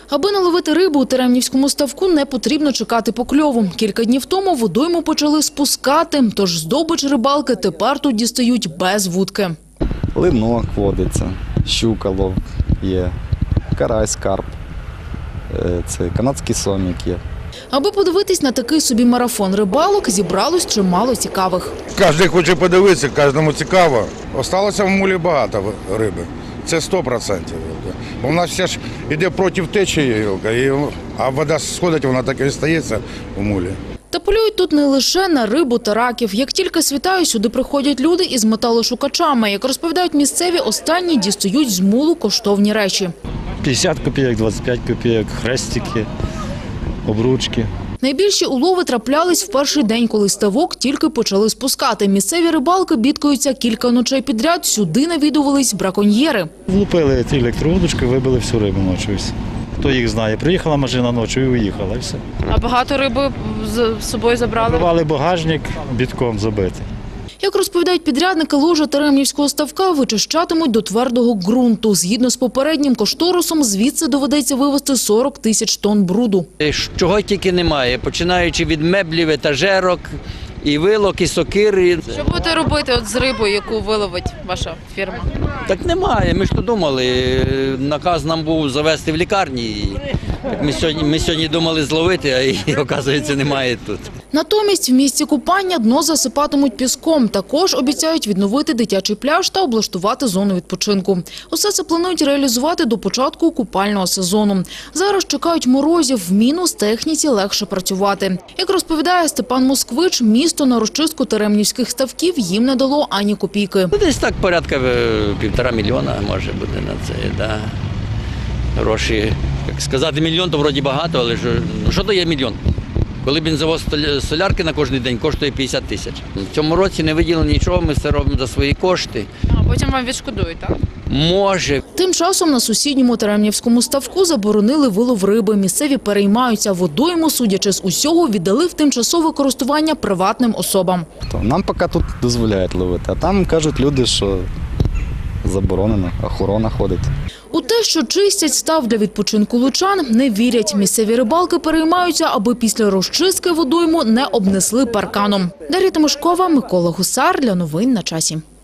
Аби наловити рибу у Теремнівському ставку, не потрібно чекати покльову. Кілька днів тому водойму почали спускати, тож здобич рибалки тепер тут дістають без вудки. Линок водиться, щука лов є, карась, карп, це канадський сомік є. Аби подивитись на такий собі марафон рибалок, зібралось чимало цікавих. Кожен хоче подивитися, кожному цікаво. Осталося в мулі багато риби. Це 100%. Бо в нас все ж йде проти течії, а вода сходить, вона так і стається в мулі. Та полюють тут не лише на рибу та раків. Як тільки світає, сюди приходять люди із металошукачами. Як розповідають місцеві, останні дістають з мулу коштовні речі. 50 копійок, 25 копійок, хрестики, обручки. Найбільші улови траплялись в перший день, коли ставок тільки почали спускати. Місцеві рибалки бідкаються кілька ночей підряд, сюди навідувались браконьєри. Влупили електровудочки, вибили всю рибу ночі. Хто їх знає, приїхала машина ночі і уїхала, і все. А багато риби з собою забрали? Рвали багажник, бітком забитий. Як розповідають підрядники, ложа Теремнівського ставка вичищатимуть до твердого ґрунту. Згідно з попереднім кошторисом, звідси доведеться вивезти 40 тисяч тонн бруду. Чого тільки немає, починаючи від меблів, етажерок, і вилок, і сокири. Що будете робити з рибою, яку виловить ваша фірма? Так немає, ми ж то думали, наказ нам був завести в лікарні. Ми сьогодні думали зловити, а її, оказується, немає тут. Натомість в місці купання дно засипатимуть піском. Також обіцяють відновити дитячий пляж та облаштувати зону відпочинку. Усе це планують реалізувати до початку купального сезону. Зараз чекають морозів, в мінус техніці легше працювати. Як розповідає Степан Москвич, місто на розчистку теремнівських ставків їм не дало ані копійки. Десь так порядка 1,5 мільйона може бути на це, да. Гроші. Як сказати мільйон, то вроді багато, але що то є мільйон? Коли бензовоз солярки на кожен день коштує 50 тисяч. В цьому році не виділено нічого, ми все робимо за свої кошти. А потім вам відшкодують, так? Може. Тим часом на сусідньому Теремнівському ставку заборонили вилов риби. Місцеві переймаються водойму, судячи з усього, віддали в тимчасове користування приватним особам. Нам поки тут дозволяють ловити, а там кажуть люди, що заборонено, охорона ходить. У те, що чистять став для відпочинку лучан, не вірять. Місцеві рибалки переймаються, аби після розчистки водойму не обнесли парканом. Дар'я Тимошкова, Микола Гусар. Для новин на часі.